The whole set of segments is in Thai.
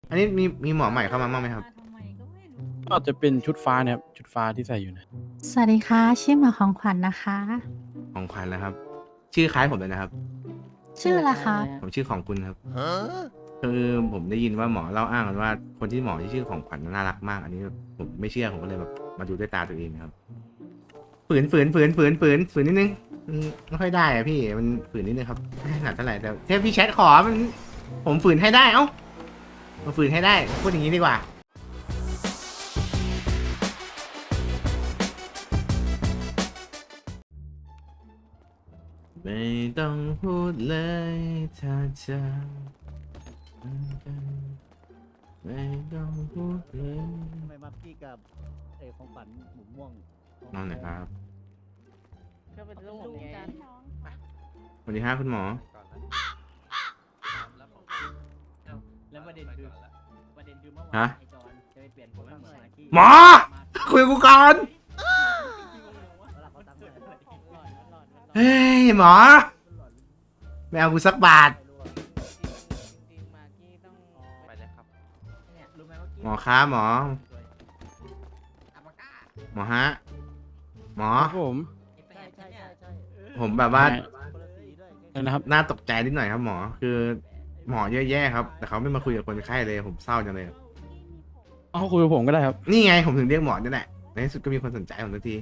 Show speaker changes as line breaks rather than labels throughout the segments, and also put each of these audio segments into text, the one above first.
อันนี้มีหมอใหม่เข้ามาบ้างไหมครับ
ก็จะเป็นชุดฟ้าเนี่ยครับชุดฟ้าที่ใส่อยู่นะ
สวัสดีค่ะชื่อหมอของขวัญนะคะ
ของขวัญแล้วครับ ชื่อคล้ายผมเลยนะครับ
ชื่ออะไรคะ
ผมชื่อของคุณครับคือผมได้ยินว่าหมอเล่าอ้างกันว่าคนที่หมอที่ชื่อของขวัญน่ารักมาก อันนี้ผมไม่เชื่อผมก็เลยแบบมาดูด้วยตาตัวเองครับฝืนนิดนึงไม่ค่อยได้อะพี่มันฝืนนิดนึงครับไม่ถนัดเท่าไหร่แต่เทพพี่แชทขอมันผมฝืนให้ได้เอ้ามาฝืนให้ได้พูดอย่างนี้ดีกว่าไม่ต้องพูดเลยถ้าจะไม่ต้องพูดเลย
ทำไมมักกี้กับของฝันหมูม่วง
นอนหน่อยครับ
ก็เป็นลูกไง
สวัสดีครับคุณหมอ
แล้วประเด็นคือเมื่อวา
ฮะ
นไอจอนจะไปเปลี่ยนผมเหมือนมักกี้
หมอ คุยกับกูก่อน เฮ้ยหมอ ไม่เอากูสักบาท
จริงๆมากี้ต้องไปเลยครับ
เนี่ยรู้ไหมว่ากี้
หมอครับหมอ หมอฮะ หมอ
ครับผม
ใช่ใช่ใช่ใช่
ผมแบบว่า
คนละสีด้วย
นะครับ
น่าตกใจนิดหน่อยครับหมอ คือหมอเยอะแยะครับ แต่เขาไม่มาคุยกับคนไข้เลย ผมเศร้าจังเลย
เอาคุยกับผมก็ได้ครับ
นี่ไงผมถึงเรียกหมอนี่แหละ ในที่สุดก็มีคนสนใจผมทันที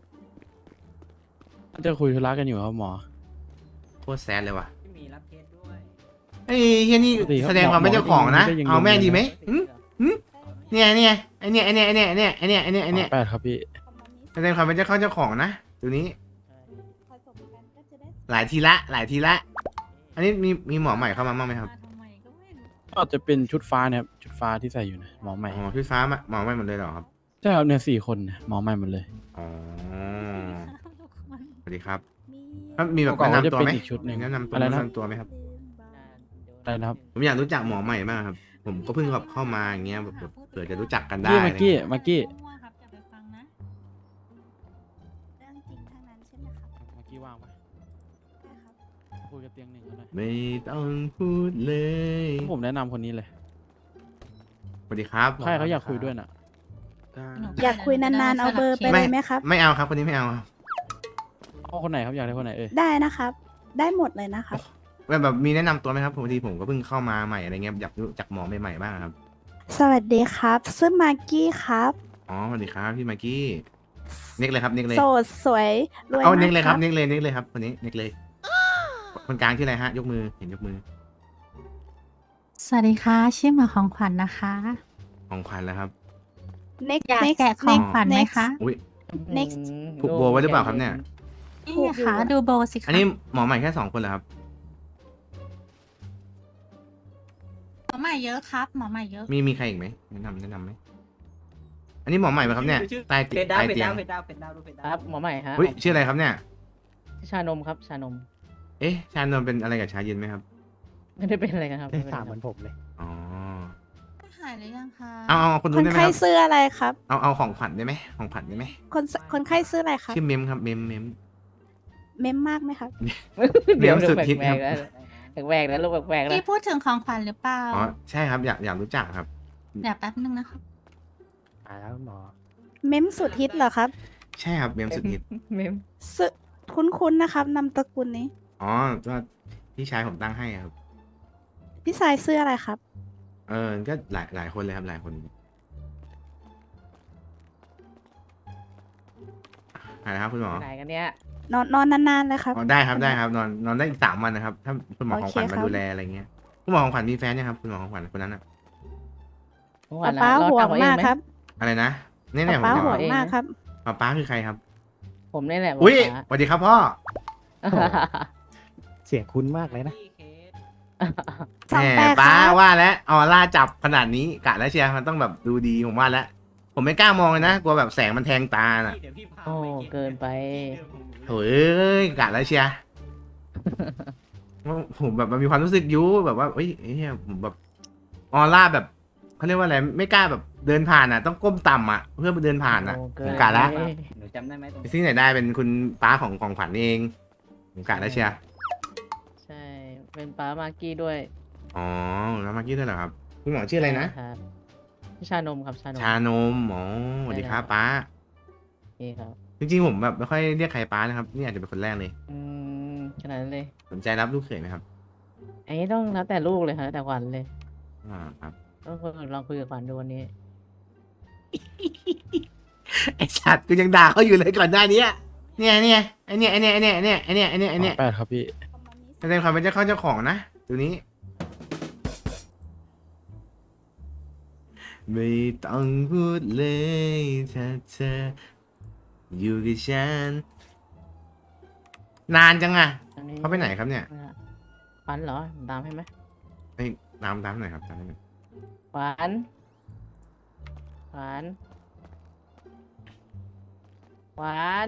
จะคุยธุระกันอยู่ครับหมอ
โคตรแซดเลยว่ะ
ที่มีรับเคสด้วย
เฮ้ยเฮียนี่
ปกติครับ
แสดงความเป็นเจ้าของนะ
หมอก็ยัง
เอาแม่งดีไหม
ยัง
เนี่ยไอเนี่ย
แปดครับพี่
แสดงความเป็นเจ้าของนะตัวนี้ หลายทีละ อันนี้มีหมอใหม่เข้ามาบ้างไหมครับ
ก็จะเป็นชุดฟ้าเนี่ยครับชุดฟ้าที่ใส่อยู่นะหมอใหม่
อ๋อพี่ฟ้าหมอใหม่หมดเลยเหรอครับ
ใช่ครับเนี่ย4 คนเนี่ยหมอใหม่หมดเลย
อ๋อ สวัสดีครับแล้วมีแบบ
ก่อน
แนะ
ก็จะ
นำตัว
เป็น
ไหม
อีกชุดหนึ่ง
แนะนำตัว
อะไรนะ
แนะนำตัวไหมครับ
อะไรนะครับ
ผมอยากรู้จักหมอใหม่มากครับ ผมก็เพิ่งแบบเข้ามาอย่างเงี้ยแบบเผื่อจะรู้จักกันได้
กี้
อะไร
เมื่อกี้
เงี้ย
เมื่อกี้
ครับอย่าไปฟังนะ
เรื่องจริงทั้งนั้นใช่ไหมครับ
เมื่อกี้ว่างปะ
ได้ครับ
คุยกับเตียงหนึ่งเขาหน่อย
ไม่ต้องพูดเลย
ผมแนะนำคนนี้เลย
สวัสดีครับ
ใช่เขาอยากคุยด้วยน่ะ
อยากคุยนานๆ เอาเบอร์ไปเลยไหมครับ
ไม่เอาครับคนนี้ไม่เอาครับ
เอาคนไหนครับอยากได้คนไหนเอ่ย
ได้นะครับ ได้หมดเลยนะครับ
แบบมีแนะนำตัวไหมครับพอดีผมก็เพิ่งเข้ามาใหม่อะไรเงี้ยอยากรู้จักหมอใหม่ๆบ้างครับ
สวัสดีครับชื่อมากกี้ครับ
อ๋อสวัสดีครับพี่มากกี้เน็กเลยครับเน็กเลย
โสดสวยรวย
เอา
มา
เน็ก
ก
เลย
ค
ครั
รั
บบ เน็กเลยครับคนนี้เน็กเลย คนกลางที่ออะไรฮะ ยกมือเห็นยกมือ
สวัสดีค่ะชื่อหมอของขวัญนะคะ
ของขวัญแล้วครับ
เน็ก
อยากแกะของขวัญไหมคะ
อุ้ย
next
ผูกโบไว้หรือเปล่าครับเนี่ย
นี่ไงคะดูโบสิคะ
อันนี้หมอใหม่แค่2 คนเหรอครับ
หมอใหม่เยอะครับ หมอใหม่เยอะ
มีใครอีกไหมแนะนำไหมอันนี้หมอใหม่ไหมครับเนี่ยใต้
เป็ดดาว
ใต้
เป็ด
เตีย
ดาง วเป็ดดาวเป็ดดาวดูเป็ดดาว
ครับหมอใหม่ฮะ
อุ้ยชื่ออะไรครับเนี่ย
ชานมครับชานม
เอ๊ะชานนท์เป็นอะไรกับชาเย็นไหมครับ
ไม่ได้เป็นอะไรกันครับ
ถามเหมือนผมเลย
อ๋อ
หายหรือยังคะ
เอาคน
ค
นู้น
น
ได้ไหม
ไข้
ครับ
ซื้ออะไรครับ
เอาของขวัญได้ไหมของขวัญได้ไหม
คนไข้ซื้ออะไรครับ
ชื่อเมมครับเมม
เมมมากไหมครับ
เดี๋ยว
เมมสุดฮิต
แปล
ครับ
กๆแล้วแปลกๆแล้วลูกแปลกๆแล้ว
พี่พูดถึงของขวัญหรือเปล่า
อ๋อใช่ครับอยากรู้จักครับ
เดี๋ยวแป๊บนึงนะครับ
แล้วหมอ
เมมสุดฮิตเหรอครับ
ใช่ครับเมมสุดฮิต
เมม
ซื้อคุ้นๆนะครับนามตระกูลนี้
อ๋อก็พี่ชายผมตั้งให้ครับ
พี่สายซื้ออะไรครับ
ก็หลายคนเลยครับหลายคนอะไรครับคุณหมอ
ไหนกันเนี่ย
นอนนานๆเลยครับ
อ๋อได้ครับนอนได้อีก3 วันนะครับ ถ้าคุณหมอของขวัญ
โอเคครั
มา
บ
ดูแลอะไรเงี้ยคุณหมอของขวัญมีแฟนยังครับคุณหมอของขวัญคนนั้นอะ
เมื่อวาน
ป้า
เรา
ห่ว
ทำ
ง
เอาเอ
มาง ก
ไหม
ครับ
อะไรนะเนี่ยผม
ป้า
จะ
ห่ว
บอก
งมากครับ
ป้าคือใครครับ
ผมนี่แหละ
อุ้ย
ป๊า
สวัสดีครับพ่อ
เสียงคุ้นมากเลยนะ
สอง
แห
แป
ม
ด
ป้า
ครับ
ว่าแล้วออร่าจับขนาดนี้กะแล้วเชียร์มันต้องแบบดูดีผมว่าแล้วผมไม่กล้ามองเลยนะกลัวแบบแสงมันแทงตาน่ะ
โอ้เกินไป
โถ่เอ้ยกะแล้วเชียร์ ผมแบบมันมีความรู้สึกยุแบบว่าเอ้ยเนี่ยผมแบบออร่าแบบเขาเรียกว่าอะไรไม่กล้าแบบเดินผ่านอ่ะ ต้องก้มต่ำอ่ะ เพื่อเดินผ่านอ่ะ
โอ้เกิ
ผ
น
มกะแล้ว
ไป
หนูจำได้ไหมตรง
ที่ไหนได้เป็นคุณป้าของขวัญเองผมกะแล้วเชียร์
ใช่ เป็นป้ามากกี้ด้วย
อ๋อแล้วมากกี้ด้วยเหรอครับคุณหมอชื่ออะไรนะ
ครับชานมครับชานม
ชานมอ๋อสวัสดีครับป้า
โอเคครับ
จริงๆผมแบบไม่ค่อยเรียกใครป้านะครับนี่อาจจะเป็นคนแรกเลย
ขนาดนั้นเลย
สนใจรับลูกเขยไหมครับ
อันนี้ต้องแล้วแต่ลูกเลยครับแล้วแต่ขวัญเลย
ครับ
ต้องลองคุยกับขวัญดูวันนี้
ไอสัตว์กูยังด่าเขาอยู่เลยก่อนหน้านี้เนี่ยไอเนี่ย
8ครับพี่
แสดงความเป็นเจ้าของนะตัวนี้ ไม่ต้องพูดเลยถ้าเธออยู่กับฉันนานจังอะ
อันนี้
เขาไปไหนครับเนี่ย
ขวัญเหรอตามให้ไหม
เฮ้ยน้ำหน่อยครับน้ำหน่อย
ขวัญขวัญขวัญ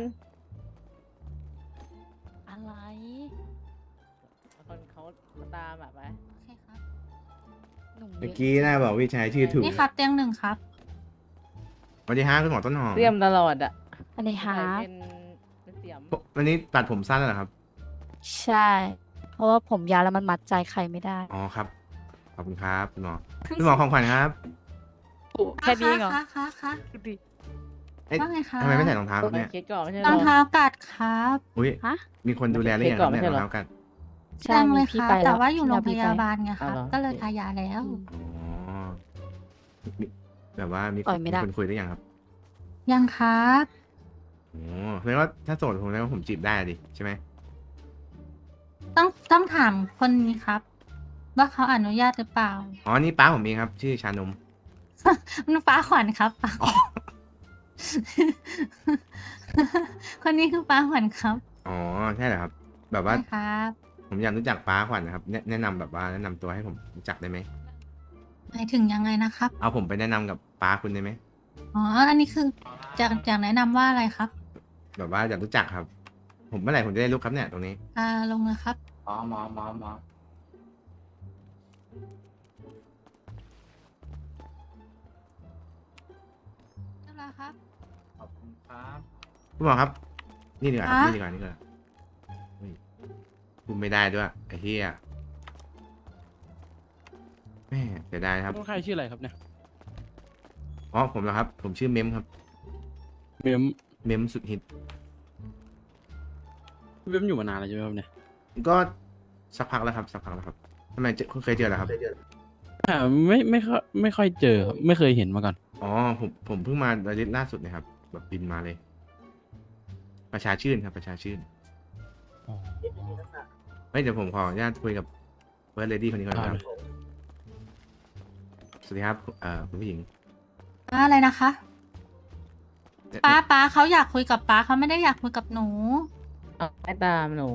อะไร
คนเขาตามแบบไป
โอเคครับหนุ่ม
เมื่อกี้น่าบอกวิชัยชื่อถูก
นี่ครับเตียงหนึ่งครับ
สวัสดีฮะคุณหมอต้นหอม
เตรียมตลอดอ่ะ
สวัสดีครั
ใส่
บ
เป็นเสียม
วันนี้ตัดผมสั้นแล้วเหรอครับ
ใช่ เพราะว่าผมยาวแล้วมันมัดใจใครไม่ได้
อ๋อครับขอบคุณครับคุณหมอคุณหมอของขวัญครับ
แค่นี้เองเหรอ
ค่ะ
ดูดิ
ๆ
เอ๊ะ
ว่าไงคะ
ทำไมไม่ใส่รองเท้าครับเนี่ย
คิดก่อนไม่ใช่
ร
เหร
อง
อ
เท้ากัดครับ
อุ้ย
ฮะ
มีคนดูแลหรือยังครับเนี่ยรองเท้ากัน
ใช่
ยังเล
มี
ย
พี่
ครับ
ไป
แต่ว่าอยู่โรงพ
พี่
ยา
ไป
บาลไงครับ ก็เลยทายาแล้ว
อ๋อมีแบบว่ามี
ปล่อยไม่ได้
คนคุยได้ยังครับ
ยังครับ
โอ้แสดงว่าถ้าโสดผมแสดงว่าผมจีบได้ดิใช่ไหม
ต้องถามคนนี้ครับ ว่าเขาอนุญาตหรือเปล่า
อ๋อนี่ป้าผมเองครับ ชื่อชานม
มันป้าขวัญครับป้าขวัญคนนี้คือป้าขวัญครับ
อ๋อใช่เหรอครับ แบบว่า
ใช่ครับ
ผมอยากรู้จักป้าขวัญนะครับแนะนำแบบว่าแนะนำตัวให้ผมรู้จักได้ไหม
หมายถึงยังไงนะครับ
เอาผมไปแนะนำกับป้าคุณได้ไหม
อ๋อ อันนี้คือจากแนะนำว่าอะไรครับ
แบบว่าอยากรู้จักครับ ผมเมื่อไหร่ผมจะได้รู้ครับเนี่ยตรงนี้
ลงเลยครับ
หมอ
เรียบร้อยครับ
ขอบคุณครับ
คุณหมอครับ นี่ดีกว่าครับ
ฮะ
นี่ดีกว่านี่ดีกว่าเฮ้ยพูดไม่ได้ด้วยไอ้เหี้ยแม่เสียดายครับ
ต้องใครชื่ออะไรครับเนี่ย
อ๋อผมเหรอครับ ผมชื่อเมมครับ
เบม
เมมสุดฮิต
เบมอยู่มานานแล้วใช่ไหมครับเนี่ย
ก็สักพักแล้วครับสักพักแล้วครับทำไมเคยเจอเหรอครับ
ไม่ค่อยเจอครับไม่เคยเห็นมาก่อน
อ๋อผมเพิ่งมาอาทิตย์ล่าสุดเนะครับ แบบบินมาเลย ประชาชื่นครับประชาชื่นเฮ้ยเดี๋ยวผมขออนุญาตคุยกับเฟิร์สเลดี้คนนี้ก่อนนะครับ สวัสดีครับคุณผู้หญิง
อะไรนะคะ ป้าเขาอยากคุยกับป้าเขาไม่ได้อยากคุยกับหนู
เอาให้ตามหนู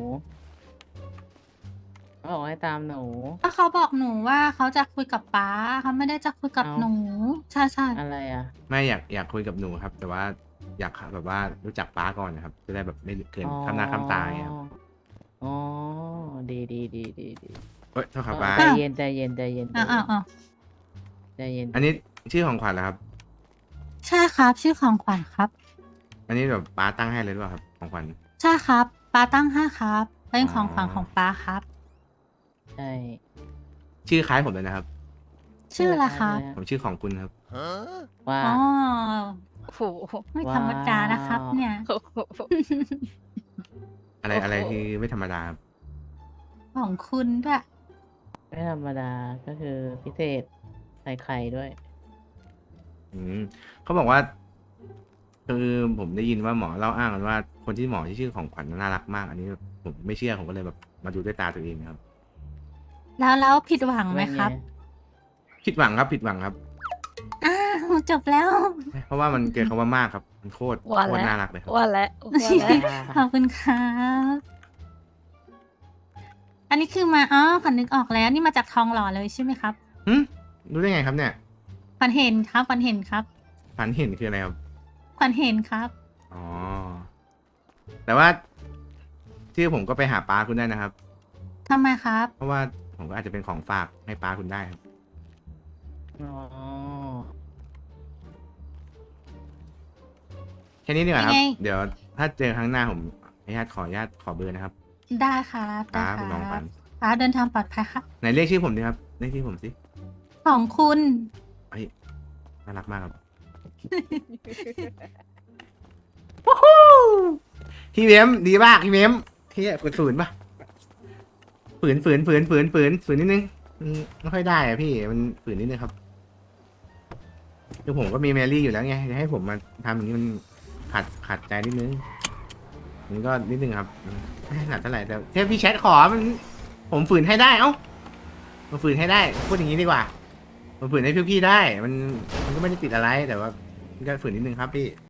เขาบอกให้ตามหนู
ก็เขาบอกหนูว่าเขาจะคุยกับป้าเขาไม่ได้จะคุยกับ
เอ้า
หนู ใช่ใช่
อะไรอ่ะ
ไม่อยากคุยกับหนูครับ แต่ว่าอยากแบบว่ารู้จักป้าก่อนนะครับ จะได้แบบไม่เกินข้ามหน้าข้ามตาอย่างเงี้ยครับ
อ๋อดี
เฮ้ยโทษครับป้า
ใจเย็นใจเย็น
อ้าว
ใจเย็น
อันนี้ชื่อของขวัญเหรอครับ
ใช่ครับ ชื่อของขวัญครับ
อันนี้แบบป้าตั้งให้เลยหรือเปล่าครับของขวัญ
ใช่ครับป้าตั้งให้ครับเป็นของขวัญของป้าครับ
ใช่
ชื่อคล้ายผมเลยนะครับ
ชื่ออะไรครับ
ผมชื่อของคุณครับ
ว่า
อ๋อ
โอ้โห
ไม่ธรรมดานะครับ เนี่ย
อะไรคือไม่ธรรมดาครับ
ของคุณด้วย
ไม่ธรรมดาก็คือพิเศษใส่ไข่ด้วย
เขาบอกว่าคือผมได้ยินว่าหมอเล่าอ้างกันว่าคนที่หมอที่ชื่อของขวัญน่ารักมาก อันนี้ผมไม่เชื่อผมก็เลยแบบมาดูด้วยตาตัวเองครับ
แล้วผิดหวังไหมครับ
ผิดหวังครับผิดหวังครับ
อ้าวจบแล้ว
เพราะว่ามันเกินคำว่ามากครับมันโคตร
ว่า
โคตร
แล้ว
น่ารักเลยครับ
ว่าแล้ว
ขอบคุณครับ อันนี้คือมาอ๋อขวัญนึกออกแล้ว นี่มาจากทองหล่อเลยใช่ไหมครับ
รู้ได้ไงครับเนี่ย
ขวัญเห็นครับขวัญเห็นครับ
ฝันเห็นคืออะไรครับ
ขวัญเห็นครับ
อ๋อแต่ว่าชื่อผมก็ไปหาป้าคุณได้นะครับ
ทำไมครับ
เพราะว่าผมก็อาจจะเป็นของฝากให้ป้าคุณได้ครับ
อ๋อ
แค่นี้ดีกว่าครับ
ยังไง
เดี๋ยวถ้าเจอครั้งหน้าผมขออนุญาตขอเบอร์นะครับ
ได้ครับได้
ป้าคุณน้อง
ค
ฝั
รับ
น
ป้าเดินทางปลอดภัยครับ
ไหนเรียกชื่อผมดิครับเรียกชื่อผมสิ
ขของคุณ
เฮ้ยน่ารักมากครับ วู้ฮู้พี่เมมดีมากพี่เมมที่ฝืนปะฝืนนิดนึงไม่ค่อยได้อะพี่มันฝืนนิดนึงครับคือผมก็มีแมรี่อยู่แล้วไงจะให้ผมมาทำอย่างนี้มันขัดใจนิดนึงมันก็นิดนึงครับไม่ถนัดเท่าไหร่แต่ถ้าพี่แชทขอมันผมฝืนให้ได้เอ้ามาฝืนให้ได้พูดอย่างนี้ดีกว่ามาฝืนให้พี่ได้มันก็ไม่ได้ติดอะไรแต่ว่ามันก็ฝืนนิดนึงครับพี่